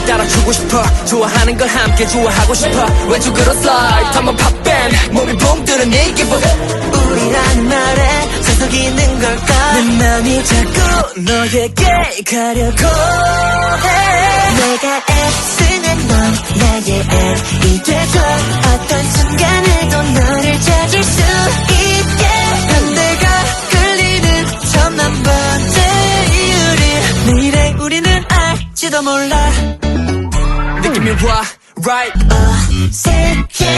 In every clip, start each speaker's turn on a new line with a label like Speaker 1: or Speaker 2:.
Speaker 1: 춤을 따라추고 싶어. 좋아하는 걸 함께 좋아하고 싶어. 왼쪽으로 슬라이드 한번 팝밴 몸이 붕 뜨는 이 기분. 우리라는 말에 세상이 있는 걸까. 내 맘이 자꾸 너에게 가려고 해.
Speaker 2: 내가 애쓰는 넌 나의 L이 돼줘. 어떤 순간에도 너를 찾을 수 있게.
Speaker 1: 내가 끌리는
Speaker 2: 천만 번째 이유를 내일의 우리는 알지도 몰라.
Speaker 1: 느낌이 와 right.
Speaker 2: 어색해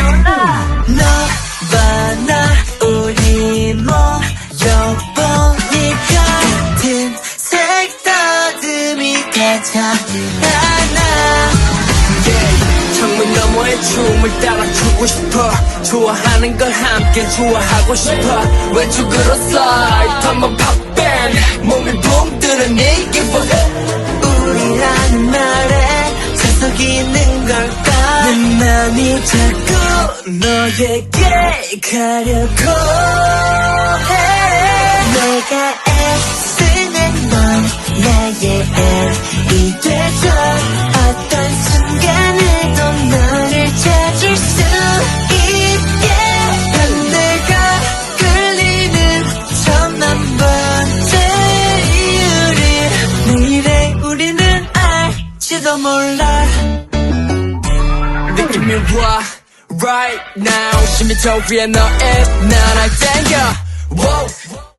Speaker 2: 너와 나 우리 모여보니까 같은 색다듬이 같아.
Speaker 1: 창문 너머의 춤을 따라추고 싶어. 좋아하는 걸 함께 좋아하고 싶어. 왼쪽으로 슬라이드 한번 팝밴 몸이 붕 뜨는 이 기분.
Speaker 2: 우리라는 말에 세상이 있는 걸까.
Speaker 1: 내 맘이 자꾸 너에게 가려고 해.
Speaker 2: 내가 애쓰는 넌 나의 L이 돼줘. 어떤 순간에도 너를 찾을 수 있게.
Speaker 1: 내가
Speaker 2: 끌리는 천만 번째 이유를 내일의 우리는 알지도 몰라.
Speaker 1: 느낌이 와 right now. 10m 위에 너의 날 땡겨. Wow.